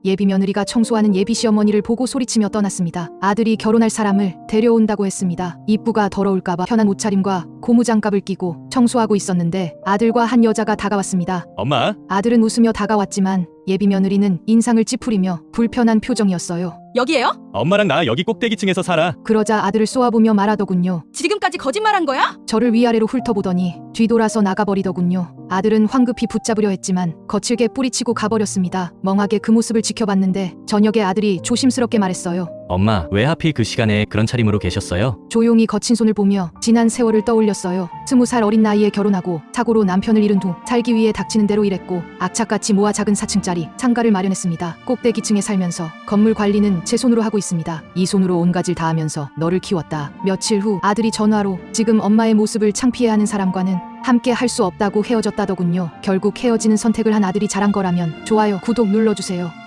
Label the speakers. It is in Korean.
Speaker 1: 예비 며느리가 청소하는 예비 시어머니를 보고 소리치며 떠났습니다. 아들이 결혼할 사람을 데려온다고 했습니다. 입구가 더러울까봐 편한 옷차림과 고무장갑을 끼고 청소하고 있었는데 아들과 한 여자가 다가왔습니다.
Speaker 2: 엄마,
Speaker 1: 아들은 웃으며 다가왔지만 예비 며느리는 인상을 찌푸리며 불편한 표정이었어요.
Speaker 3: 여기에요?
Speaker 2: 엄마랑 나 여기 꼭대기층에서 살아.
Speaker 1: 그러자 아들을 쏘아보며 말하더군요.
Speaker 3: 지금까지 거짓말한 거야?
Speaker 1: 저를 위아래로 훑어보더니 뒤돌아서 나가버리더군요. 아들은 황급히 붙잡으려 했지만 거칠게 뿌리치고 가버렸습니다. 멍하게 그 모습을 지켜봤는데 저녁에 아들이 조심스럽게 말했어요.
Speaker 2: 엄마, 왜 하필 그 시간에 그런 차림으로 계셨어요?
Speaker 1: 조용히 거친 손을 보며 지난 세월을 떠올렸어요. 20살 어린 나이에 결혼하고 사고로 남편을 잃은 후 살기 위해 닥치는 대로 일했고 악착같이 모아 작은 4층짜리 상가를 마련했습니다. 꼭대기층에 살면서 건물 관리는 제 손으로 하고 있습니다. 이 손으로 온 가지를 다 하면서 너를 키웠다. 며칠 후 아들이 전화로 지금 엄마의 모습을 창피해하는 사람과는 함께 할 수 없다고 헤어졌다더군요. 결국 헤어지는 선택을 한 아들이 잘한 거라면 좋아요, 구독 눌러주세요.